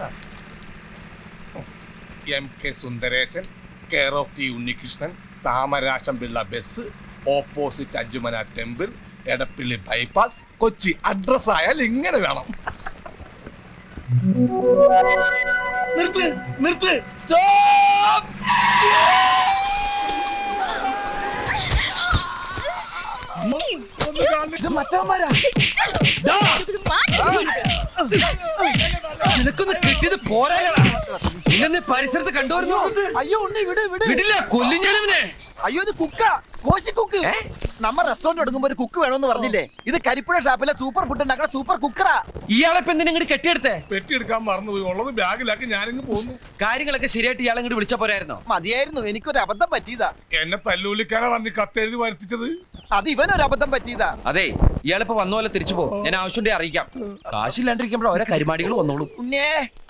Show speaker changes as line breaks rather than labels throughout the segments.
MK Sundaresan, care of T Unnikrishnan, Thamarassam Pillai bus, opposite Anchumana temple, Edappally bypass, Kochi. Address ആയാൽ ഇങ്ങനെ വേണം. നിർത്ത് നിർത്ത്, സ്റ്റോപ്പ്.
നിനക്കൊന്ന് കിട്ടിയത് പോരാ. ഇന്നെ പരിസരത്ത് കണ്ടുവരുന്നു.
അയ്യോ ഉണ്ണി വിട് വിട്.
വിടില്ല, കൊല്ലും ഞാനവനെ.
അയ്യോ ഇത് കുക്ക, കോശി കുക്ക്. നമ്മ റെസ്റ്റോറന്റ് എടുക്കുമ്പോ ഒരു കുക്ക് വേണമെന്ന് പറഞ്ഞില്ലേ? ഇത് കരിപ്പുഴ ഷാപ്പിലെ സൂപ്പർ ഫുഡ് ഉണ്ടാക്കുന്ന സൂപ്പർ കുക്കറാ.
ഇയാളെ ഇപ്പൊ എന്തിനാ ഇങ്ങോട്ട് കെട്ടിയെടുത്തേ?
പെട്ടിയെടുക്കാൻ മറന്നുപോയി, ഉള്ളത് ബാഗിലാക്കി ഞാനിങ്ങ് പോന്നു.
കാര്യങ്ങളൊക്കെ ശരിയായിട്ട് ഇയാളെ ഇങ്ങോട്ട് വിളിച്ച പോരായിരുന്നോ?
മതിയായിരുന്നു, എനിക്കൊരു അബദ്ധം പറ്റിയതാ.
എന്നെ തല്ലൂലിക്കാനാണ് അന്ന് കത്തെഴുതി വരുത്തിച്ചത്.
അത് ഇവനൊരു അബദ്ധം പറ്റിയതാ.
അതെ, ഇയാളിപ്പോ വന്ന പോലെ തിരിച്ചു പോകും. ഞാൻ ആവശ്യം അറിയിക്കാം. കാശില്ലാണ്ടിരിക്കുമ്പോഴോ ഓരോ കരിമാടികൾ വന്നോളൂ.
ഉണ്ണേ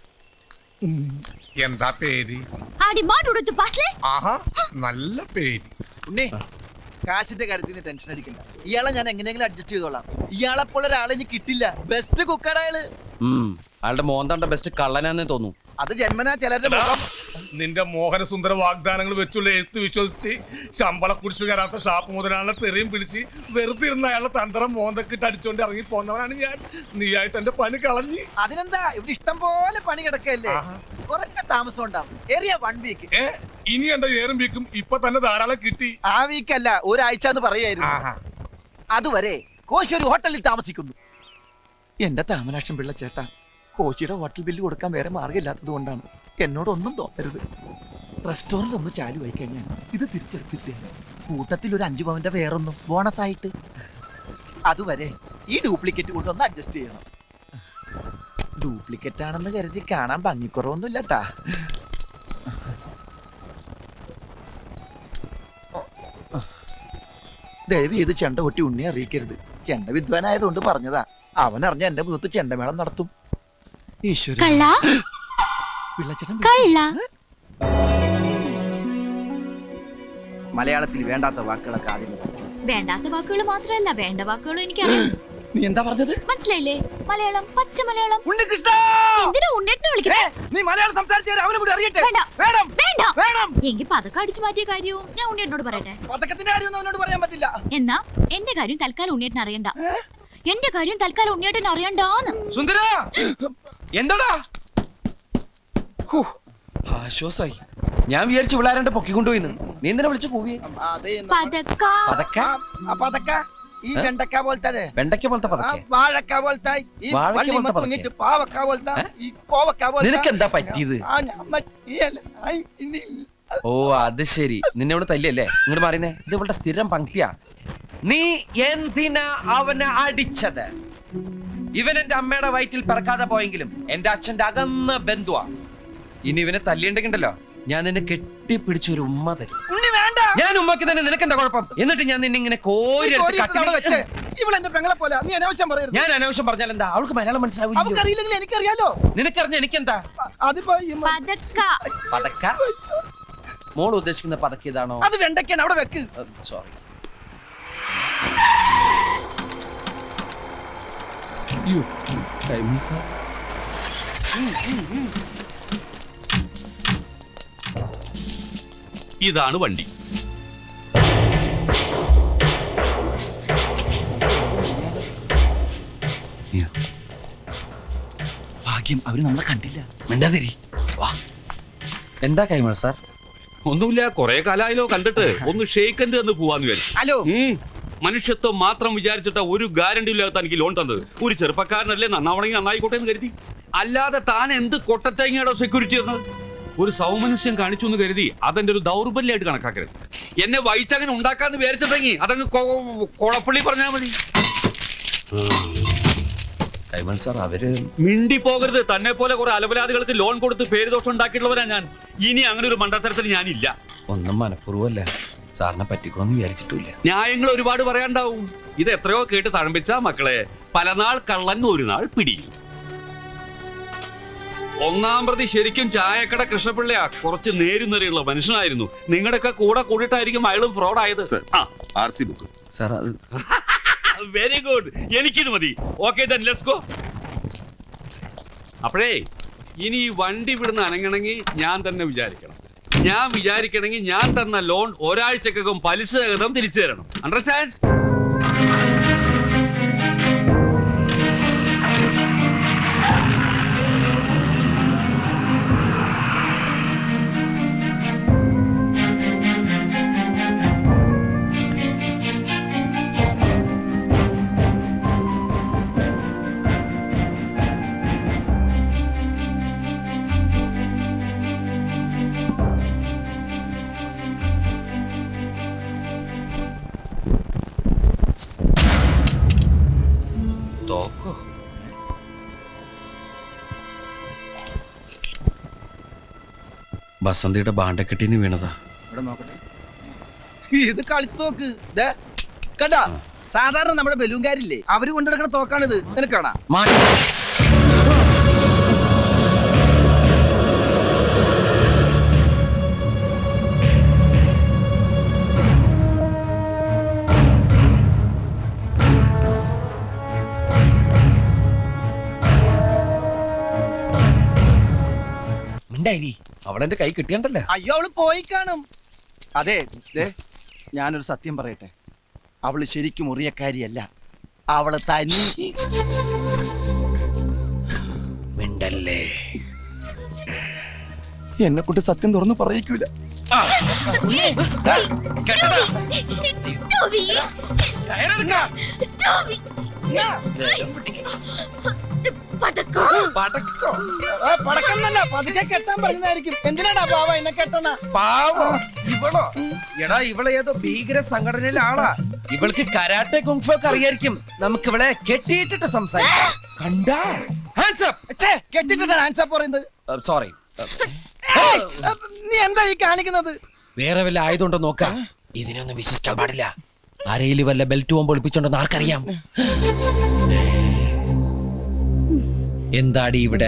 എന്താ പേര്? ആഹാ, നല്ല പേര്.
ഉണ്ണേ കാശിന്റെ കാര്യത്തിൽ ടെൻഷൻ അടിക്കണ്ട. ഇയാളെ ഞാൻ എങ്ങനെയെങ്കിലും അഡ്ജസ്റ്റ് ചെയ്തോളാം. ഇയാളെ പോലെ ഒരാളെ ഇനി കിട്ടില്ല. ബെസ്റ്റ് കുക്കറാ അയാള്.
അയാളുടെ മോന്താണ്ട ബെസ്റ്റ് കള്ളനാന്നേ തോന്നുന്നു.
അത് ജന്മനാ ചിലരുടെ മുഖം.
നിന്റെ മോഹനസുന്ദര വാഗ്ദാനങ്ങൾ വെച്ചുള്ള എഴുത്ത് വിശ്വസിച്ച് ശമ്പള കുടിച്ചു കയറാത്ത ഷാപ്പ് മുതലാളിനെ തെറിയും പിടിച്ച് വെറുതെ ഇരുന്ന അയാളെ തന്ത്രം മോന്തക്കിട്ട് അടിച്ചോണ്ട് ഇറങ്ങി പോന്നവനാണ് ഞാൻ. നീയായിട്ട് എന്റെ പണി കളഞ്ഞ്.
അതിനെന്താ, ഇവിടെ ഇഷ്ടം പോലെ പണി കിടക്കല്ലേ. കുറച്ച് താമസം ഉണ്ടാവും. ഏറിയ 1 വീക്ക്.
ഇനി എന്റെ ഏറും വീക്കും ഇപ്പൊ തന്നെ ധാരാളം കിട്ടി.
ആ വീക്കല്ല, ഒരാഴ്ച എന്ന് പറയായിരുന്നു. അതുവരെ കോശി ഒരു ഹോട്ടലിൽ താമസിക്കുന്നു. എന്റെ താമരാക്ഷം പിള്ള ചേട്ടാ, കോശിയുടെ ഹോട്ടൽ ബില്ല് കൊടുക്കാൻ വേറെ മാർഗമില്ലാത്തത് കൊണ്ടാണ്. എന്നോടൊന്നും തോന്നരുത്. റെസ്റ്റോറന്റ് ഒന്ന് ചാലു ആയി കഴിഞ്ഞാൽ ഇത് തിരിച്ചെടുത്തിട്ടേ കൂട്ടത്തിൽ ഒരു 5 പവന്റെ വേറൊന്നും ബോണസ് ആയിട്ട്. അതുവരെ ഈ ഡ്യൂപ്ലിക്കേറ്റ് കൊണ്ടൊന്ന് അഡ്ജസ്റ്റ് ചെയ്യണം. ഡ്യൂപ്ലിക്കേറ്റ് ആണെന്ന് കരുതി കാണാൻ ഭംഗിക്കുറവൊന്നും ഇല്ലട്ടാ. ദയവ് ചെയ്ത് ചെണ്ട കൊട്ടി ഉണ്ണിയെ അറിയിക്കരുത്. ചെണ്ട വിദ്വാനായതുകൊണ്ട് പറഞ്ഞതാ. അവൻ അറിഞ്ഞ എന്റെ മുഖത്ത് ചെണ്ടമേളം നടത്തും. മലയാളത്തിൽ വേണ്ടാത്ത വാക്കുകളൊക്കെ ആദ്യം.
വേണ്ടാത്ത വാക്കുകൾ മാത്രമല്ല, വേണ്ട വാക്കുകളും എനിക്കറിയാം.
നീ എന്താ പറഞ്ഞത്?
മനസ്സിലായില്ലേ? മലയാളം, പച്ച മലയാളം.
ഉണ്ണികൃഷ്ണ,
എന്തിനാ ഉണ്ണേട്ടനെ വിളിക്കുന്നേ?
നീ മലയാളം സംസാരിച്ചാൽ അവനെ കൂടി അറിയട്ടെ.
വേണ്ട
വേണം
വേണ്ട
വേണം.
എങ്കിൽ പതക്കം അടിച്ചു മാറ്റിയ കാര്യവും ഞാൻ ഉണ്ണിയേട്ടനോട് പറയട്ടെ.
പതക്കത്തിന്റെ കാര്യമൊന്നും അവനോട് പറയാൻ പറ്റില്ല.
എന്നാ എന്റെ കാര്യം തൽക്കാലം ഉണ്ണിയേട്ടൻ അറിയണ്ട. എന്റെ കാര്യം തൽക്കാലം ഉണ്ണിയേട്ടൻ അറിയണ്ടാന്ന്.
സുന്ദര, എന്താടാ? ആശ്വാസായി. ഞാൻ വിചാരിച്ചു വിളാരണ്ട് പൊക്കിക്കൊണ്ടുപോയിന്ന്. നീ എന്തിനാ വിളിച്ചു കൂവിയെ?
പതക്ക
പതക്ക ഈ വെണ്ടക്ക പോലത്തെ,
വെണ്ടയ്ക്ക പോലത്തെ പതക്ക,
വാഴക്ക പോലത്തെ, ഈ പാവക്ക പോലത്തെ, ഈ കോവക്ക പോലത്തെ.
നിനക്ക് എന്താ പറ്റിയത്? ഓ അത് ശരി, നിന്നെ ഇവിടെ തല്ലിയല്ലേ? ഇങ്ങോട്ട് മാറിയുന്നേ. ഇത് ഇവളുടെ സ്ഥിരം പങ്ക്തിയാ. നീ എന്തിനാ അവനെ അടിച്ചത്? ഇവൻ എന്റെ അമ്മയുടെ വയറ്റിൽ പിറക്കാതെ പോയെങ്കിലും എന്റെ അച്ഛന്റെ അകന്ന ബന്ധുവാ. ഇനി ഇവനെ തല്ലിയുണ്ടെങ്കിണ്ടല്ലോ, ഞാൻ നിന്നെ കെട്ടിപ്പിടിച്ച ഒരു ഉമ്മ തരും. ഞാൻ ഉമ്മക്ക് തന്നെ. നിനക്ക് എന്താ കുഴപ്പം? എന്നിട്ട് ഞാൻ നിന്നെ ഇങ്ങനെ കോരി. ഞാൻ അനാവശ്യം പറഞ്ഞാൽ എന്താ? അവൾക്ക് മലയാളം മനസ്സിലാവില്ല.
എനിക്കറിയാലോ.
നിനക്കറിഞ്ഞ എനിക്കെന്താ? പതക്ക. മോൾ ഉദ്ദേശിക്കുന്ന പതക്ക ഇതാണോ?
അത് വെണ്ടയ്ക്കാണ്. അവിടെ വെക്ക്.
സോറി.
ഇതാണ് വണ്ടി.
ഭാഗ്യം അവര് നമ്മളെ കണ്ടില്ല.
മിണ്ടാതിരി. എന്താ കൈമൾ സാർ?
ഒന്നുമില്ല, കൊറേ കാലായാലോ കണ്ടിട്ട്. ഒന്ന് ഷെയ്ക്കൻഡ് എന്ന് പോവാന്ന് വിചാരിച്ചു.
ഹലോ.
മനുഷ്യത്വം മാത്രം വിചാരിച്ചിട്ട് ഒരു ഗ്യാരണ്ടി ഇല്ലാത്ത എനിക്ക് ലോൺ തന്നത്. ഒരു ചെറുപ്പക്കാരനല്ലേ, നന്നാവണമെങ്കിൽ നന്നായിക്കോട്ടെ എന്ന് കരുതി. അല്ലാതെ താൻ എന്ത് കൊട്ടത്തേങ്ങയുടെ സെക്യൂരിറ്റി എന്നത്? ഒരു സൗമനസ്യം കാണിച്ചു എന്ന് കരുതി അതെന്റെ ഒരു ദൗർബല്യമായിട്ട് കണക്കാക്കരുത്. എന്നെ വൈച്ചങ്ങനെ ഉണ്ടാക്കാന്ന് വിചാരിച്ചിട്ടെങ്കിൽ അതങ്ങ് കൊളപ്പള്ളി പറഞ്ഞാൽ മതി.
കൈമൾ സാർ, അവര്
മിണ്ടി പോകരുത്. തന്നെ പോലെ കുറെ അലപരാധികൾക്ക് ലോൺ കൊടുത്ത് പേരുദോഷം ഉണ്ടാക്കിയിട്ടുള്ളവരാ ഞാൻ. ഇനി അങ്ങനെ ഒരു മണ്ടത്തരത്തിൽ ഞാനില്ല.
ഒന്നും മനഃപൂർവ്വമല്ല, സാറിനെ പറ്റിക്കണമെന്ന് വിചാരിച്ചിട്ടില്ല.
ന്യായങ്ങൾ ഒരുപാട് പറയാണ്ടാവും. ഇത് എത്രയോ കേട്ട് തഴമ്പിച്ച മക്കളെ. പല നാൾ കള്ളൻ ഒരു നാൾ പിടി. ഒന്നാം പ്രതി ശരിക്കും ചായക്കട കൃഷ്ണപിള്ളയാ. കുറച്ച് നേരുന്നറിയുള്ള മനുഷ്യനായിരുന്നു. നിങ്ങളുടെയൊക്കെ കൂടെ കൂടിയിട്ടായിരിക്കും അയാളും ഫ്രോഡ് ആയത്. Book
sir,
very good. എനിക്കിത് മതി. Okay then let's go. അപ്പോഴേ ഇനി ഈ വണ്ടി വിടുന്ന അനങ്ങണമെങ്കിൽ ഞാൻ തന്നെ വിചാരിക്കണം. ഞാൻ വിചാരിക്കണമെങ്കിൽ ഞാൻ തന്ന ലോൺ ഒരാഴ്ചക്കകം പലിശ സഹിതം തിരിച്ചു തരണം. അണ്ടർസ്റ്റാൻഡ്?
തോക്കോ? ബസന്തിയുടെ ബാണ്ടക്കെട്ടിന് വീണതാ.
ഇവിടെ നോക്കട്ടെ. ഇത് കളിത്തോക്ക് കണ്ടാ. സാധാരണ നമ്മുടെ ബലൂൺകാരില്ലേ, അവര് കൊണ്ടുനടക്കുന്ന തോക്കാണിത്. നിനക്കാണാ?
മാറ്റി. അവളെന്റെ കൈ കിട്ടിയണ്ടല്ലേ?
അയ്യോ, അവള് പോയി കാണും. അതെ, ഞാനൊരു സത്യം പറയട്ടെ. അവള് ശരിക്കും മുറിയക്കാരിയല്ല. അവള് തനി
മിണ്ടല്ലേ.
എന്നെ കൊണ്ട് സത്യം തുറന്ന് പറയിക്കൂല.
ടോവി, ടോവി. പതക്കോ?
പടക്കന്നല്ല, പതുക്കെ കെട്ടാൻ പറഞ്ഞതായിരിക്കും. എന്തിനാടാ പാവ എന്നെ കെട്ടണ?
പാവോ ഇവളോ? എടാ, ഇവളെ ഏതോ ഭീകര സംഘടനയിലെ ആളാ. ഇവൾക്ക് കരാട്ടെ കുങ്ഫു ഒക്കെ അറിയായിരിക്കും. നമുക്ക് ഇവളെ കെട്ടിയിട്ടിട്ട് സംസാരിക്കാം. കണ്ടാ? Hands up.
കെട്ടിട്ടാണ് ആൻസർ പറയുന്നത്.
സോറി.
നീ എന്താ ഈ കാണിക്കുന്നത്?
വേറെ വല്ല ആയതുകൊണ്ടോ നോക്കാം. ഇതിനൊന്നും വിശ്വസിക്കാൻ പാടില്ല. അരയിൽ വല്ല ബെൽറ്റ് പോകുമ്പോൾ ഒളിപ്പിച്ചോണ്ടെന്ന് ആർക്കറിയാം? എന്താടി ഇവിടെ?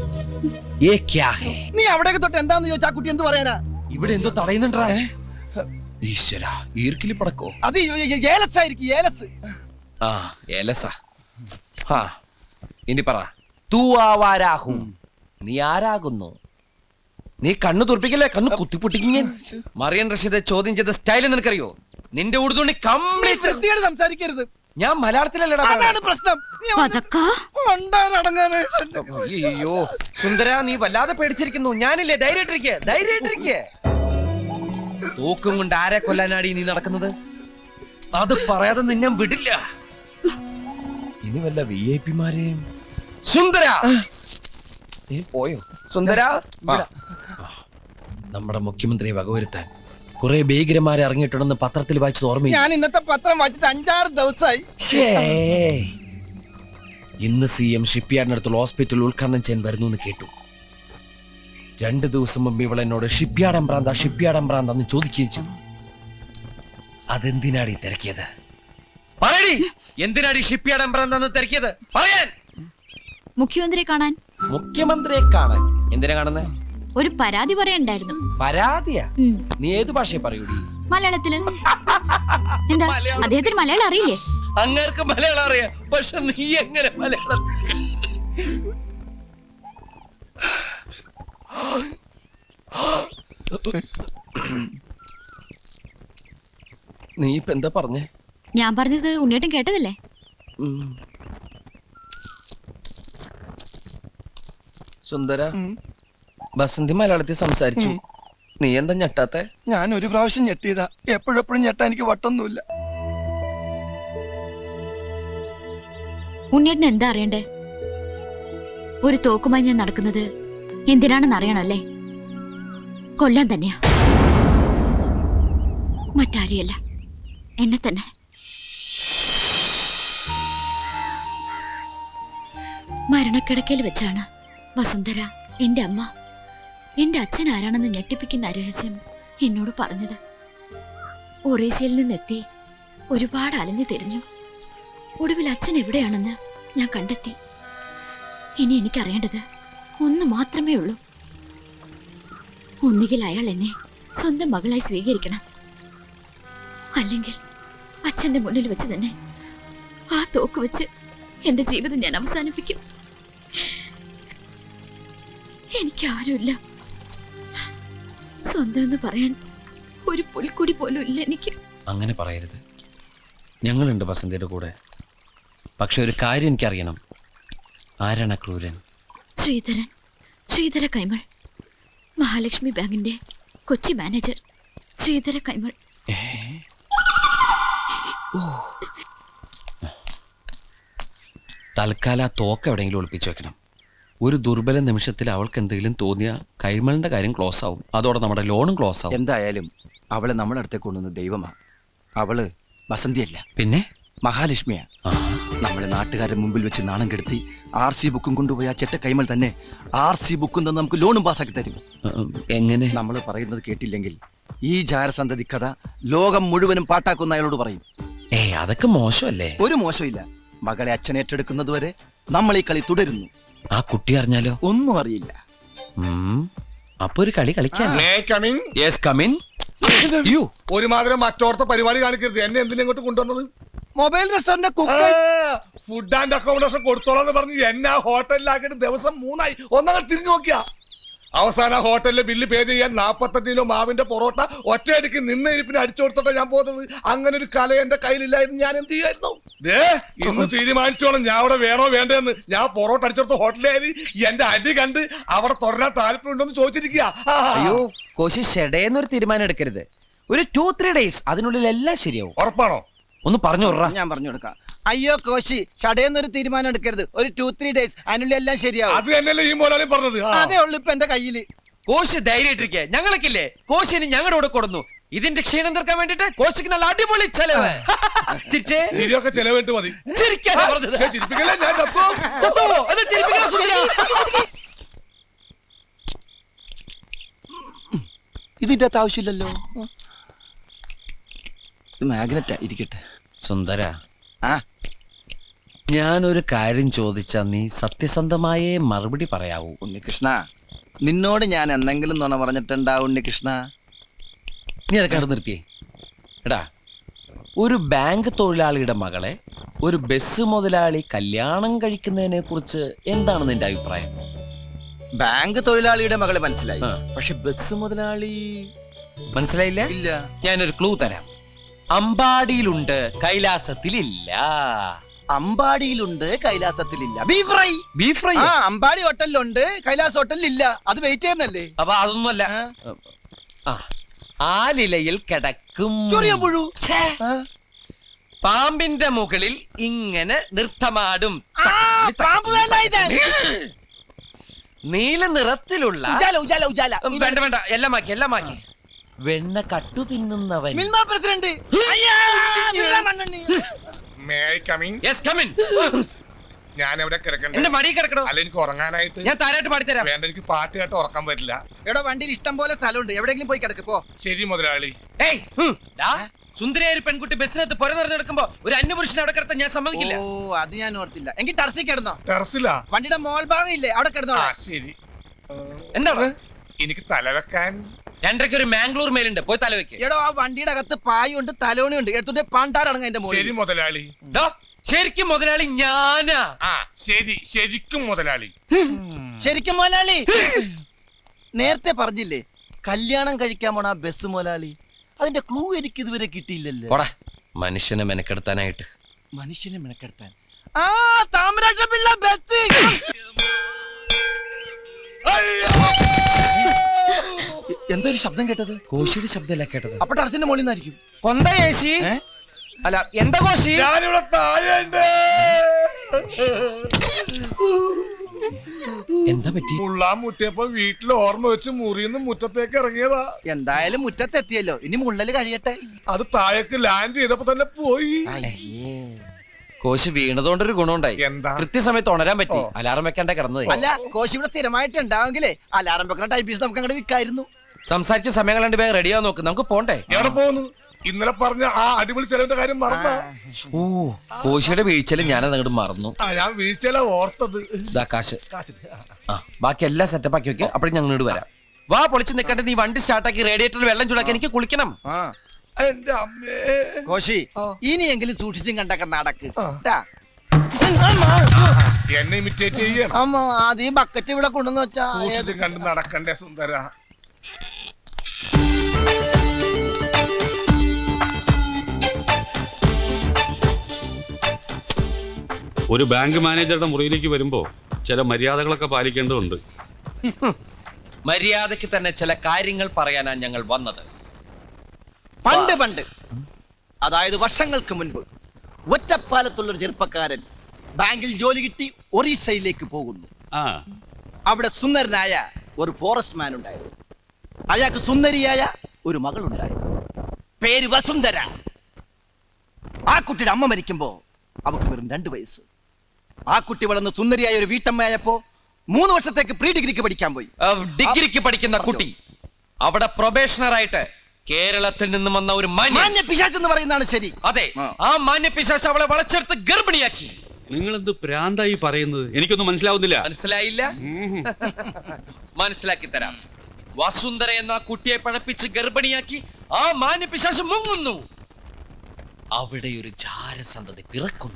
നീ അവിടേക്ക് തൊട്ട് എന്താന്ന് ചോദിച്ചാ കുട്ടി എന്ത് പറയാനാ?
ഇവിടെ എന്തോ തടയുന്നുണ്ടാ? ഈശ്വര, ഈർക്കിലി പടക്കോ?
അത് ഏലസ് ആയിരിക്കും, ഏലസ്.
ആ, ഏലസ. ഹാ, ഇനി പറ. തൂ ആവാരാഹും. നീ ആരാകുന്നു? നീ കണ്ണു തുറപ്പിക്കല്ലേ, കണ്ണു കുത്തിപ്പൊട്ടിക്കും. മറിയൻ റഷീദ് ചോദ്യം ചെയ്ത സ്റ്റൈൽ നിനക്കറിയോ? നിന്റെ ഉടുതുണി കംപ്ലീറ്റ്
സംസാരിക്കരുത്.
ഞാൻ മലയാളത്തിലല്ലടാ.
അതാണ് പ്രശ്നം.
അയ്യോ സുന്ദര, നീ വല്ലാതെ പേടിച്ചിരിക്കുന്നു. ഞാനില്ലേ, ധൈര്യമായിട്ടിരിക്കെ, ധൈര്യമായിട്ടിരിക്കെ. തൂക്കും കൊണ്ട് ആരെ കൊല്ലാനാടി നീ നടക്കുന്നത്? അത് പറയാതെ നിന്നെ വിടില്ല. ഇനി വല്ല VIP-മാരെയും. സുന്ദര പോയോ? സുന്ദര, നമ്മുടെ മുഖ്യമന്ത്രിയെ വകവരുത്താൻ കുറെ ഭീകരന്മാരെ ഇറങ്ങിയിട്ടുണ്ടെന്ന് പത്രത്തിൽ വായിച്ചത് ഓർമ്മയില്ല?
ഞാൻ ഇന്നത്തെ പത്രം വായിച്ചിട്ട് 5-6 ദിവസമായി.
ഇന്ന് CM ഷിപ്പ്യാർഡിനടുത്തുള്ള ഹോസ്പിറ്റൽ ഉദ്ഘാടനം ചെയ്യാൻ വരുന്നു എന്ന് കേട്ടു. 2 ദിവസം മുമ്പ് ഇവൾ എന്നോട് ഷിപ്പ്യാർഡ് എംബ്രാന്താന്ന് ചോദിക്കുകയും ചെയ്തു. അതെന്തിനാടി തിരക്കിയത്? പറയടി, എന്തിനാടി ഷിപ്പ്യാർഡ് എംബ്രാന്താന്ന് തിരക്കിയത്? പറയാൻ.
മുഖ്യമന്ത്രിയെ കാണാൻ.
മുഖ്യമന്ത്രിയെ കാണാൻ? എന്തിനാ കാണുന്നേ?
ഒരു പരാതി പറയണ്ടായിരുന്നു.
പരാതിയാ? നീ ഏത് ഭാഷയെ പറയൂടി?
മലയാളത്തില്. എന്താ, അദ്ദേഹത്തിന് മലയാളം അറിയില്ലേ?
അങ്ങേർക്ക് മലയാളം അറിയാം, പക്ഷെ നീ എങ്ങനെ മലയാളം? നീ ഇപ്പൊ എന്താ പറഞ്ഞേ?
ഞാൻ പറഞ്ഞത് ഉണ്ണിയേട്ടൻ കേട്ടതല്ലേ?
സുന്ദര, ബസന്തി മലയാളത്തിൽ സംസാരിച്ചു. നീ എന്താ ഞെട്ടാത്തെ?
ഞാൻ ഒരു പ്രാവശ്യം ഞെട്ടിയതാ. എപ്പോഴെപ്പോഴും ഞെട്ടാ എനിക്ക് വട്ടൊന്നുമില്ല.
ഉണ്ണിയേട്ടൻ എന്താ അറിയണ്ടേ? ഒരു തോക്കുമായി ഞാൻ നടക്കുന്നത് എന്തിനാണെന്ന് അറിയണല്ലേ? കൊല്ലാൻ തന്നെയാ, മറ്റാരെയല്ല, എന്നെ തന്നെ. മരണക്കിടക്കയിൽ വെച്ചാണ് വസുന്ധര, എന്റെ അമ്മ, എന്റെ അച്ഛൻ ആരാണെന്ന് ഞെട്ടിപ്പിക്കുന്ന രഹസ്യം എന്നോട് പറഞ്ഞത്. ഒറീസയിൽ നിന്നെത്തി ഒരുപാട് അലഞ്ഞു തിരിഞ്ഞു. ഒടുവിൽ അച്ഛൻ എവിടെയാണെന്ന് ഞാൻ കണ്ടെത്തി. ഇനി എനിക്കറിയേണ്ടത് ഒന്ന് മാത്രമേ ഉള്ളൂ. ഒന്നുകിൽ അയാൾ എന്നെ സ്വന്തം മകളായി സ്വീകരിക്കണം, അല്ലെങ്കിൽ അച്ഛന്റെ മുന്നിൽ വെച്ച് തന്നെ ആ തോക്ക് വെച്ച് എന്റെ ജീവിതം ഞാൻ അവസാനിപ്പിക്കും. എനിക്കാരുമില്ല. സ്വന്തം എന്ന് പറയാൻ ഒരു പുൽക്കുടി പോലും ഇല്ല എനിക്ക്.
അങ്ങനെ പറയരുത്. ഞങ്ങളുണ്ട് ബസന്തിയുടെ കൂടെ. പക്ഷെ ഒരു കാര്യം എനിക്കറിയണം. ആരാണ് ക്രൂരൻ?
ശ്രീധര കൈമൾ, മഹാലക്ഷ്മി ബാങ്കിന്റെ കൊച്ചി മാനേജർ ശ്രീധര കൈമൾ.
തൽക്കാലം ആ തോക്ക് എവിടെയെങ്കിലും ഒളിപ്പിച്ചു വെക്കണം. ഒരു ദുർബല നിമിഷത്തിൽ അവൾക്ക് എന്തെങ്കിലും തോന്നിയ കൈമളിന്റെ കാര്യം ക്ലോസ് ആവും. അതോടെ നമ്മുടെ ലോണും ക്ലോസ് ആവും.
എന്തായാലും അവളെ നമ്മളെ അടുത്തേക്ക് കൊണ്ടുവന്ന ദൈവമാ. അവള് വസന്തിയല്ല,
പിന്നെ
മഹാലക്ഷ്മിയാ.
ആ,
നമ്മളെ നാട്ടുകാരുടെ മുമ്പിൽ വെച്ച് നാണം കെടുത്തി RC ബുക്കും കൊണ്ടുപോയി ആ ചെറ്റ കൈമൾ തന്നെ RC ബുക്കും തന്നെ നമുക്ക് ലോണും പാസ്സാക്കി തരും.
എങ്ങനെ?
നമ്മൾ പറയുന്നത് കേട്ടില്ലെങ്കിൽ ഈ ജാരസന്തതി കഥ ലോകം മുഴുവനും പാട്ടാക്കുന്ന അയാളോട് പറയും.
അതൊക്കെ മോശമല്ലേ?
ഒരു മോശമില്ല. മകളെ അച്ഛൻ ഏറ്റെടുക്കുന്നത് വരെ നമ്മൾ ഈ കളി തുടരുന്നു.
ആ കുട്ടി അറിഞ്ഞാലോ?
ഒന്നും അറിയില്ല.
അപ്പൊ ഒരു കളി കളിക്കാൻ.
May I come in?
Yes, come in. You.
ഒരുമാതിരി മറ്റോടത്തെ പരിപാടി കാണിക്കരുത്. എന്നെ എന്തിനാ ഇങ്ങോട്ട് കൊണ്ടുവന്നത്?
Mobile restaurant
food and accommodation കൊടുത്തോളാന്ന് പറഞ്ഞ് എന്നെ ആ ഹോട്ടലിലാക്കിയിട്ട് ദിവസം 3 ആയി. ഒന്നങ്ങൾ തിരിഞ്ഞു നോക്കിയാ അവസാന ഹോട്ടലിലെ ബില്ല് പേ ചെയ്യാൻ 45 കിലോ മാവിന്റെ പൊറോട്ട ഒറ്റയടിക്ക് നിന്ന ഇരിപ്പിന് അടിച്ചു കൊടുത്തിട്ടാ ഞാൻ പോകുന്നത്. അങ്ങനെ ഒരു കല എന്റെ കയ്യിലില്ലായിരുന്നു. ഞാൻ എന്ത് ചെയ്യായിരുന്നു? ഇന്ന് തീരുമാനിച്ചോളാം ഞാൻ അവിടെ വേണോ വേണ്ടെന്ന്. ഞാൻ പൊറോട്ട അടിച്ചെടുത്ത ഹോട്ടലിൽ എന്റെ അടി കണ്ട് അവിടെ തുടരാൻ താല്പര്യമുണ്ടോന്ന് ചോദിച്ചിരിക്കുക.
അയ്യോ കോശി, ഷെഡേന്നൊരു തീരുമാനം എടുക്കരുത്. ഒരു 2-3 days അതിനുള്ളിൽ എല്ലാം ശരിയാവും.
ഉറപ്പാണോ?
ഒന്ന് പറഞ്ഞു വിടറാ.
ഞാൻ പറഞ്ഞു കൊടുക്കാം. അയ്യോ കോശി, ചടയെന്നൊരു തീരുമാനം എടുക്കരുത്. ഒരു 2-3 days അതിനുള്ളിൽ എല്ലാം ശരിയാവും.
അത് തന്നെയല്ലേ ഈ മോലാലും പറഞ്ഞത്.
അതേ ഉള്ളു ഇപ്പൊ എന്റെ കയ്യില്.
കോശി ധൈര്യമായിട്ടിരിക്കെ. ഞങ്ങൾക്കില്ലേ കോശിന് ഞങ്ങളുടെ കൂടെ കൊടുന്നു. ഇതിന്റെ ക്ഷീണം തീർക്കാൻ വേണ്ടിട്ട് കോശിക്ക് നല്ല അടിപൊളി ചെലവ്. ചിരിച്ചേ.
ശരിയൊക്കെ ചെലവിട്ട് മതി.
ചിരിക്കാനാ പറഞ്ഞത്.
ചിരിപ്പിക്കല്ലേ, ഞാൻ ചത്തോ?
ചത്തുവോ? എന്നാ ചിരിപ്പിക്കണ സുന്ദരാ.
ഇതിന്റെ അകത്ത് ആവശ്യമില്ലല്ലോ. ഇത് മാഗ്നറ്റാ, ഇരിക്കട്ടെ.
സുന്ദര,
ആ
ഞാനൊരു കാര്യം ചോദിച്ചാ നീ സത്യസന്ധമായേ മറുപടി പറയാവൂ.
ഉണ്ണികൃഷ്ണ, നിന്നോട് ഞാൻ എന്തെങ്കിലും നുണ പറഞ്ഞിട്ടുണ്ടാ ഉണ്ണികൃഷ്ണ?
നീ അതൊക്കെ അവിടെ നിർത്തിയേ. എടാ, ഒരു ബാങ്ക് തൊഴിലാളിയുടെ മകളെ ഒരു ബസ് മുതലാളി കല്യാണം കഴിക്കുന്നതിനെ കുറിച്ച് എന്താണ് നിന്റെ അഭിപ്രായം?
ബാങ്ക് തൊഴിലാളിയുടെ മകളെ മനസ്സിലായി,
ആ.
പക്ഷെ ബസ് മുതലാളി
മനസ്സിലായില്ല?
ഇല്ല.
ഞാനൊരു ക്ലൂ തരാം. അമ്പാടിയിലുണ്ട്, കൈലാസത്തിലില്ല.
അമ്പാടിയിലുണ്ട്, കൈലാസത്തിലില്ല. Beef fry.
Beef fry.
ആ, അമ്പാടി ഹോട്ടലിലുണ്ട്, കൈലാസ് ഹോട്ടലിലില്ല. അത് വെയിറ്റ് ചെയ്യുന്നല്ലേ?
അപ്പൊ അതൊന്നുമല്ല. ആ, ആലിലയിൽ കിടക്കും
ചൊറിയ പുഴു.
ഛേ. പാമ്പിന്റെ മുകളിൽ ഇങ്ങനെ നൃത്തമാടും. നീല നിറത്തിലുള്ള
ഉജാല, ഉജാല, ഉജാല.
വേണ്ട വേണ്ട, എല്ലാം മാക്കി, എല്ലാം മാക്കി. വെണ്ണ കട്ടു തിന്നുന്നവൻ.
മിൽമ പ്രസിഡന്റ്. അയ്യാ, Milma മണ്ണെണ്ണി.
May I come in?
Yes, come in.
ഞാൻ എവിടെ കിടക്കണ്ടേ?
എന്റെ മടി കിടക്കണോ?
അല്ല, എനിക്ക് ഉറങ്ങാനായിട്ട്.
ഞാൻ താരായിട്ട് പാടിത്തരാം.
വേണ്ട, എനിക്ക് പാട്ട് കേട്ട് ഉറക്കാൻ പറ്റില്ല.
എടോ, വണ്ടിയിൽ ഇഷ്ടം പോലെ സ്ഥലമുണ്ട്, എവിടെയെങ്കിലും പോയി കിടക്ക് പോ.
ശരി മുതലാളി.
ഏയ്, ഡാ, സുന്ദരിയായ ഒരു പെൺകുട്ടി ബസ്സിനകത്ത് പുര നിറഞ്ഞു കിടക്കുമ്പോ ഒരു അന്യപുരുഷനെ അവിടെ കിടത്താൻ ഞാൻ സമ്മതിക്കില്ല.
ഓ, അത് ഞാൻ ഓർത്തില്ല. എങ്കിൽ ടർസി കിടന്നോ.
ടെറസിലാ?
വണ്ടിയുടെ മോൾ ഭാഗം ഇല്ലേ, അവിടെ കിടന്നോ.
ആ, ശരി.
എന്താണ്?
എനിക്ക് തലവെക്കാൻ
2:30 ഒരു മാംഗ്ലൂർ മേലുണ്ട്, പോയി തല വെക്ക്.
എടോ, ആ വണ്ടിയുടെ അകത്ത് പായുണ്ട്, തലോണിയുണ്ട്. എടുത്തിട്ട് പാണ്ടാറടങ്ങ എന്റെ മോളിൽ.
ശരി മുതലാളി.
ഡാ, ശരിക്കും മുതലാളി ഞാനാ.
ആ, ശരി, ശരിക്കും മുതലാളി.
ശരിക്കും മോലാളി. നേരത്തെ പറഞ്ഞില്ലേ കല്യാണം കഴിക്കാൻ പോണ ആ ബസ് മോലാളി? അതിന്റെ ക്ലൂ എനിക്ക് ഇതുവരെ കിട്ടിയില്ലല്ലോ.
പോടാ, മനുഷ്യനെ മെനക്കെടുത്താനായിട്ട്.
മനുഷ്യനെ മെനക്കെടുത്താൻ. ആ, താമരാക്ഷ പിള്ള ബസ്. എന്തോ ഒരു ശബ്ദം കേട്ടത്?
കോശിയുടെ ശബ്ദമല്ല കേട്ടത്.
അപ്പൊ ടർസിന്റെ മുകളിൽ നിന്നായിരിക്കും.
കൊന്ത കോശി. അല്ല, എന്താ കോശി?
ഞാനിവിടെ താഴെയുണ്ട്.
എന്താ പറ്റി?
മുള്ളാൻ മുട്ടിയപ്പോ വീട്ടിൽ ഓർമ്മ വെച്ച് മുറിന്ന് മുറ്റത്തേക്ക് ഇറങ്ങിയതാ.
എന്തായാലും മുറ്റത്തെത്തിയല്ലോ, ഇനി മുള്ളല് കഴിയട്ടെ.
അത് താഴേക്ക് ലാൻഡ് ചെയ്തപ്പോ തന്നെ പോയി.
കോശി വീണതുകൊണ്ടൊരു ഗുണമുണ്ടായി.
എന്താ?
കൃത്യസമയത്ത് ഉണരാൻ പറ്റി. അലാറം വെക്കാണ്ടേ കിടന്നത്.
അല്ല, കോശി ഇവിടെ സ്ഥിരമായിട്ട് ഉണ്ടാവെങ്കിലേ അലാറം വെക്കുന്ന ടൈപ്പീസ് നമുക്ക് അങ്ങോട്ട് വിൽക്കായിരുന്നു.
സംസാരിച്ച സമയം കണ്ട് വേഗം റെഡിയാവാൻ നോക്ക്, നമുക്ക് പോണ്ടേ?
എവിടെ പോകുന്നു? ഇന്നലെ പറഞ്ഞ ആ അടിപൊളി ചെലവിന്റെ കാര്യം മറന്ന.
ഓ, കോശിയുടെ വീഴ്ചയില് ഞാനത് അങ്ങോട്ട് മറന്നു.
ഞാൻ വീഴ്ചയില ഓർത്തത്.
ഇതാ കാശ്. ആ, ബാക്കി എല്ലാം സെറ്റപ്പ് ആക്കി വെക്കുക. അപ്പോഴും ഞങ്ങൾ ഇങ്ങോട്ട് വരാം. വാ, പൊളിച്ച് നിൽക്കട്ടെ. നീ വണ്ടി സ്റ്റാർട്ടാക്കി റേഡിയേറ്ററിൽ വെള്ളം ചൂടാക്കി എനിക്ക് കുളിക്കണം.
എന്റെ അമ്മേ.
കോശി, ഇനിയെങ്കിലും സൂക്ഷിച്ചും കണ്ടൊക്കെ നടക്ക്. ട്ടാ.
എന്നെ ഇമിറ്റേറ്റ് ചെയ്യണം.
അമ്മ അത് ഈ ബക്കറ്റ് ഇവിടെ കൊണ്ടുവന്ന് വെച്ചാ
സൂക്ഷിച്ചും കണ്ട് നടക്കണ്ടേ സുന്ദര.
ഒരു ബാങ്ക് മാനേജറുടെ മുറിയിലേക്ക് വരുമ്പോ ചില മര്യാദകളൊക്കെ പാലിക്കേണ്ടതുണ്ട്.
മര്യാദയ്ക്ക് തന്നെ ചില കാര്യങ്ങൾ പറയാനാണ് ഞങ്ങൾ വന്നത്.
പണ്ട് അതായത് വർഷങ്ങൾക്ക് മുൻപ് ഒറ്റപ്പാലത്തുള്ളൊരു ചെറുപ്പക്കാരൻ ബാങ്കിൽ ജോലി കിട്ടി ഒറീസയിലേക്ക് പോകുന്നു.
ആ
അവിടെ സുന്ദരനായ ഒരു ഫോറസ്റ്റ് മാൻ ഉണ്ടായിരുന്നു. അയാൾക്ക് സുന്ദരിയായ ഒരു മകളുണ്ടായിരുന്നു. പേര് വസുന്ധര. ആ കുട്ടിയുടെ അമ്മ മരിക്കുമ്പോ അവക്ക് വെറും 2 വയസ്സ്. ആ കുട്ടി വളർന്ന് സുന്ദരിയായ ഒരു വീട്ടമ്മയായപ്പോ 3 വർഷത്തേക്ക് പ്രീ ഡിഗ്രിക്ക് പഠിക്കാൻ പോയി.
ഡിഗ്രിക്ക് പഠിക്കുന്ന കുട്ടി അവിടെ പ്രൊബേഷണർ ആയിട്ട് കേരളത്തിൽ നിന്നും വന്ന ഒരു
മാന്യ പിശാച് എന്ന് പറയുന്നതാണ് ശരി.
അതെ, ആ മാന്യ പിശാച് അവളെ വളച്ചെടുത്ത് ഗർഭിണിയാക്കി.
നിങ്ങൾ എന്ത് പ്രാന്തായി പറയുന്നത്? എനിക്കൊന്നും മനസ്സിലാവുന്നില്ല.
മനസ്സിലായില്ല? മനസ്സിലാക്കി തരാം. വസുന്ധര എന്ന കുട്ടിയെ പഴപ്പിച്ച് ഗർഭിണിയാക്കി ആ മാന്യ പിശാച് മുങ്ങുന്നു. അവിടെ ഒരു ജാരസന്തതി പിറക്കുന്നു.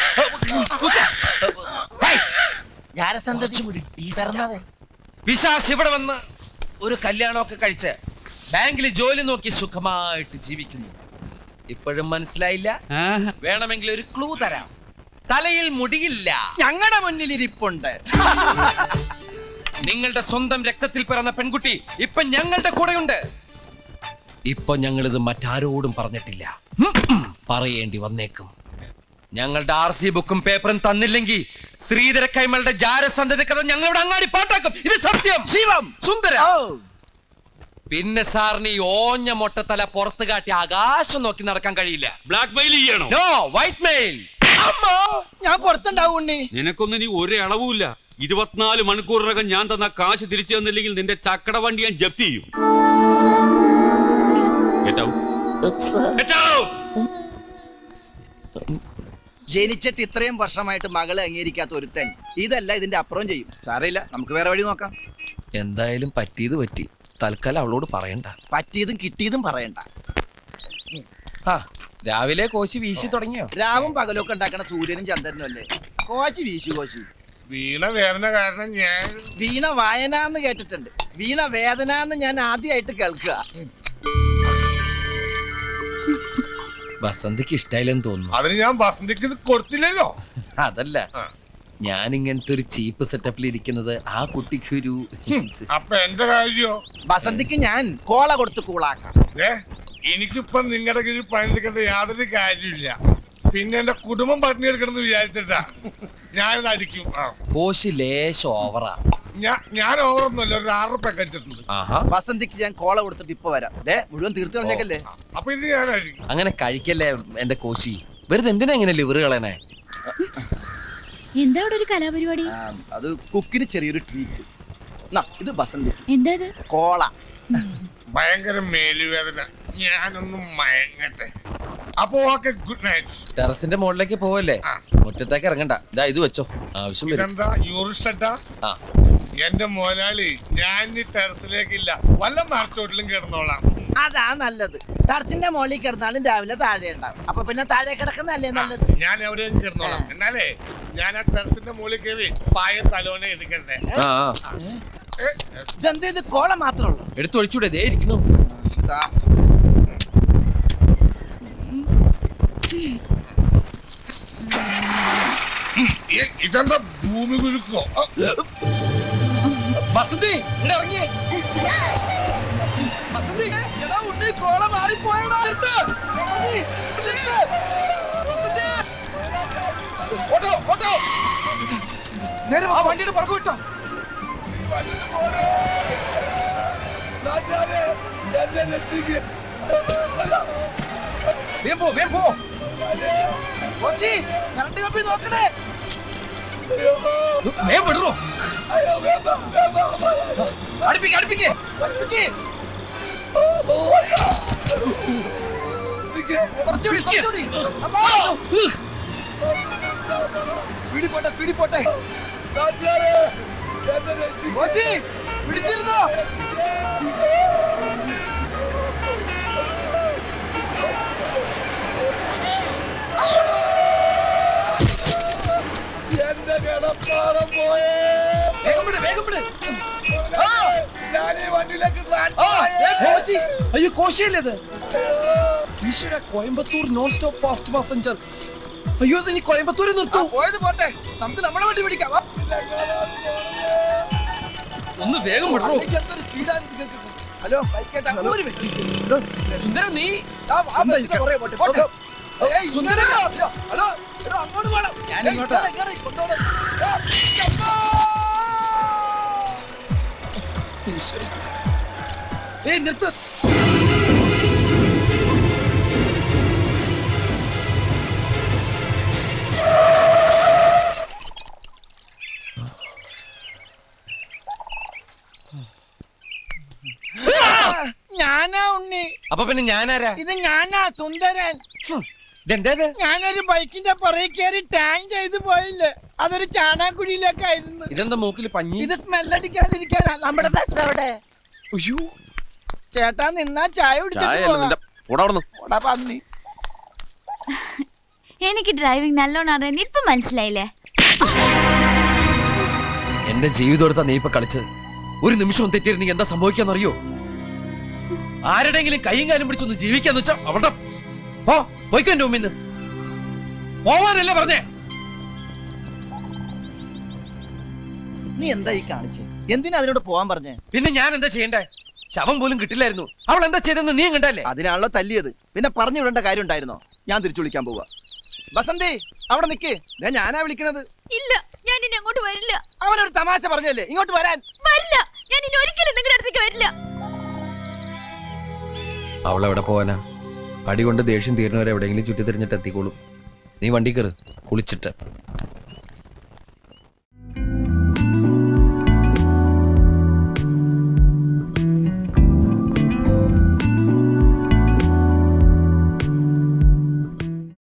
പിശാച് ഇവിടെ വന്ന് ഒരു കല്യാണമൊക്കെ കഴിച്ച് ബാങ്കിൽ ജോലി നോക്കി സുഖമായിട്ട് ജീവിക്കുന്നു. ഇപ്പോഴും മനസ്സിലായില്ല? വേണമെങ്കിൽ ഒരു ക്ലൂ തരാം. തലയിൽ മുടിയില്ല.
ഞങ്ങളുടെ മുന്നിൽ ഇരിപ്പുണ്ട്.
നിങ്ങളുടെ സ്വന്തം രക്തത്തിൽ പിറന്ന പെൺകുട്ടി ഇപ്പൊ ഞങ്ങളുടെ കൂടെയുണ്ട്. ഇപ്പൊ ഞങ്ങളിത് മറ്റാരോടും പറഞ്ഞിട്ടില്ല. പറയേണ്ടി വന്നേക്കും. ഞങ്ങളുടെ RC ബുക്കും പേപ്പറും തന്നില്ലെങ്കിൽ ശ്രീധര കൈമളുടെ ജാരസന്ധതി കഥ ഞങ്ങളുടെ അങ്ങാടി പാട്ടാക്കും. ഇത് സത്യം.
ശിവം
സുന്ദര. പിന്നെ സാറിന് ഈ ഓഞ്ഞ മൊട്ടത്തല പുറത്ത് കാട്ടി ആകാശം നോക്കി നടക്കാൻ കഴിയില്ല.
ബ്ലാക്ക് മെയിൽ ചെയ്യണോ?
No, white mail.
ഞാൻ പുറത്തുണ്ടാവും ഉണ്ണി.
നിനക്കൊന്നും ഇനി ഒരു അളവുമില്ല. 24 മണിക്കൂറിനകം ഞാൻ തന്ന കാശ് തിരിച്ചു തന്നില്ലെങ്കിൽ നിന്റെ ചക്കട വണ്ടി ഞാൻ ജപ്തി ചെയ്യും.
ജനിച്ചിട്ട് ഇത്രയും വർഷമായിട്ട് മകളെ അംഗീകരിക്കാത്ത ഒരുത്തൻ ഇതല്ല ഇതിന്റെ അപ്പുറം ചെയ്യും. സാരമില്ല, നമുക്ക് വേറെ വഴി നോക്കാം.
എന്തായാലും പറ്റിയത് പറ്റി. തൽക്കാലം അവളോട് പറയണ്ട.
പറ്റിയതും കിട്ടിയതും പറയണ്ട.
രാവിലെ കോശി വീശി തുടങ്ങിയോ?
രാവും പകലൊക്കെ ഉണ്ടാക്കണ സൂര്യനും ചന്ദ്രനും അല്ലേ? കോശി വീശു കോശി.
വീണ വേദന കാരണം ഞാൻ
വീണ വായന എന്ന് കേട്ടിട്ടുണ്ട്. വീണ വേദന എന്ന് ഞാൻ ആദ്യമായിട്ട് കേൾക്കുക.
വസന്തിക്ക് ഇഷ്ടായില്ലെന്ന് തോന്നുന്നു.
അതിന് ഞാൻ വസന്തിക്ക് ഇത് കൊടുത്തില്ലല്ലോ.
അതല്ല, ഞാൻ ഇങ്ങനത്തെ ഒരു ചീപ്പ് സെറ്റപ്പിൽ ഇരിക്കുന്നത് ആ കുട്ടിക്ക് ഒരു
അപ്പൊ എന്റെ കാര്യോ?
വസന്തിക്ക് ഞാൻ കോള കൊടുത്ത് കൂളാക്കാം.
എനിക്കിപ്പൊ നിങ്ങളുടെ കീഴിൽ പണിയെടുക്കേണ്ട യാതൊരു കാര്യമില്ല. പിന്നെ എന്റെ കുടുംബം പട്ടിണിയെടുക്കണമെന്ന് വിചാരിച്ചിട്ടാ ഞാനിത് അടിക്കും.
കോശി ലേശം ഓവറാ.
ഞാൻ ഓവറൊന്നുമല്ല, ഒരു 6 റുപ്യ കഴിച്ചിട്ടുണ്ട്.
വസന്തിക്ക് ഞാൻ കോള കൊടുത്തിട്ട് ഇപ്പൊ വരാം. മുഴുവൻ തീർത്ത് കളഞ്ഞേക്കല്ലേ.
അപ്പൊ ഇത് ഞാൻ അടിക്കും.
അങ്ങനെ കഴിക്കല്ലേ എന്റെ കോശി. വെറുതെ എന്തിനാ ഇങ്ങനെ ലിവർ കളയണേ?
എന്താ ഇവിടെ ഒരു കലാപരിപാടി?
അത് കുക്കിന് ചെറിയൊരു ട്രീറ്റ്. ഇത് വസന്തിക്ക്.
എന്താ ഇത്?
കോള.
ഭയങ്കര മേലുവേദന. ഞാനൊന്നും മയങ്ങട്ടെ. അപ്പൊ ഓക്കെ, ഗുഡ് നൈറ്റ്.
ടെറസിന്റെ മുകളിലേക്ക് പോവല്ലേ? മുറ്റത്തേക്ക് ഇറങ്ങണ്ട. ഇതാ ഇത് വെച്ചോ, ആവശ്യം വരും.
ഇതെന്താ യൂറിസ്റ്റ? എന്റെ മോലാളി, ഞാൻ ഈ ടെറസിലേക്കില്ല, വല്ല മറച്ചോട്ടിലും കിടന്നോളാം.
അതാ നല്ലത്. ടെറസിന്റെ മുകളിൽ കിടന്നാലും രാവിലെ താഴെ ഉണ്ടാവും. അപ്പൊ പിന്നെ താഴെ കിടക്കുന്നല്ലേ നല്ലത്.
ഞാൻ എവിടെയും കിടന്നോളാം. എന്നാലേ ഞാൻ ആ ടെറസിന്റെ മുകളിൽ കയറി പായ തലോനെ എടുക്കണ്ടേ?
ഇതെന്ത്, ഇത് കോള മാത്രമുള്ളൂ?
എടുത്തൊഴിച്ചൂടെ? ദേ ഇരിക്കുന്നു.
ഇതെന്താ ഭൂമി കുലുക്കോ?
വസന്തി ഇവിടെ ഇറങ്ങിയേ.
വസന്തി, എടാ ഉണ്ണി, കോള മാറിപ്പോയടാ.
ഓട്ടോ ഓട്ടോ, നേരെ ആ വണ്ടിയുടെ പുറകു വിട്ടോ. വേഗം പോ.
കോച്ചി, കറണ്ട് കമ്പി നോക്കണേ.
വേഗം വിടറോ. അടുപ്പിക്ക്.
കുറച്ചുകൂടി. പിടിപോട്ടെ. കോച്ചി, പിടിച്ചിരുന്നോ?
അപ്പാടെ പോയേ.
വേഗം വിട്, വേഗം വിട്.
ഞാൻ ഈ വണ്ടിയിലേക്ക് ട്രാൻസ്ഫർ
ആ,
ആയേ.
കോശി. അയ്യോ കോശിയല്ലേ ഇത്? ഈശ്വര, Coimbatore non stop fast passenger. അയ്യോ ഇത് ഇനി കോയമ്പത്തൂരിൽ
ആ,
നിർത്തൂ.
പോയത് പോട്ടെ, നമുക്ക് നമ്മളെ വണ്ടി പിടിക്കാം. വാ.
ഒന്ന് വേഗം വിടൂ.
അല്ലെങ്കിൽ എന്തൊരു സ്പീഡാണ് നിങ്ങൾക്ക്. ഹലോ ബൈക്കേട്ടാ, ഒരു മിനിറ്റ്.
സുന്ദര നീ
ആ, ആ ബസ്സിന്റെ പുറകെ പോട്ടെ, പോട്ടെ. ഏയ്,
സുന്ദര.
ഹലോ, ഹലോ, എടോ, അങ്ങോട്ട് പോണം.
ഞാൻ
ഏയ്,
ഇങ്ങോട്ടാ.
ഇങ്ങോട്ട് കൊണ്ടുപോണം. അമ്മോ!
ഈശ്വര. ഏയ് നിർത്ത്.
ഞാനാ ഉണ്ണി,
അപ്പൊ പിന്നെ ഞാനാരാ?
ഇത് ഞാനാ സുന്ദരൻ.
ഇതെന്തേത്?
ഞാനൊരു ബൈക്കിന്റെ പുറകെ കയറി ടാങ് ചെയ്ത് പോയില്ലേ, അതൊരു ചാണാക്കുഴിയിലേക്കായിരുന്നു.
ഇതെന്താ മൂക്കിൽ പഞ്ഞി?
ഇത് സ്മെല്ലടിക്കാതിരിക്കാനാ. നമ്മുടെ ബസ് അവിടെ.
അയ്യോ
ചേട്ടാ നിന്നാ ചായ കുടിച്ചിട്ട് പോകാം. ഓടാ പന്നി.
എനിക്ക് ഡ്രൈവിംഗ് നല്ലോണം അറിയാൻ ഇപ്പൊ മനസ്സിലായില്ലേ?
എന്റെ ജീവിതം എടുത്താ നീ ഇപ്പൊ കളിച്ചത്. ഒരു നിമിഷം തെറ്റിയിരുന്നെങ്കിൽ എന്താ സംഭവിക്കാന്നറിയോ? ആരുടെങ്കിലും കൈയും കാലും പിടിച്ചൊന്ന് ജീവിക്കാന്ന് വെച്ചാ അവിടെ പോയിക്കോ എന്റെ മുമ്പിൽ നിന്ന്. പോവാനല്ലേ പറഞ്ഞേ?
നീ എന്താ ഈ കാണിച്ചേ? എന്തിനാ അതിനോട് പോവാൻ പറഞ്ഞേ?
പിന്നെ ഞാൻ എന്താ ചെയ്യണ്ടേ? ശവം പോലും കിട്ടില്ലായിരുന്നു. അവൾ എന്താ ചെയ്തെന്ന് നീ കണ്ടല്ലേ?
അതിനാണല്ലോ തല്ലിയത്. പിന്നെ പറഞ്ഞു വിടേണ്ട കാര്യം ഉണ്ടായിരുന്നോ? ഞാൻ തിരിച്ചു വിളിക്കാൻ പോവാ. ബസന്തി അവിടെ നിക്ക്, ഞാനാ വിളിക്കണത്.
ഇല്ല, ഞാൻ ഇനി അങ്ങോട്ട് വരില്ല.
അവനൊരു തമാശ പറഞ്ഞല്ലേ ഇങ്ങോട്ട് വരാൻ.
വരില്ല, ഞാൻ ഇനി ഒരിക്കലും നിങ്ങളുടെ അടുത്തേക്ക് വരില്ല.
അവൾ എവിടെ പോവാനാ? അടി കൊണ്ട് ദേഷ്യം തീരുന്നവരെ എവിടെയെങ്കിലും ചുറ്റി തിരിഞ്ഞിട്ട് എത്തിക്കോളും. നീ വണ്ടി കയറ്, കുളിച്ചിട്ട്.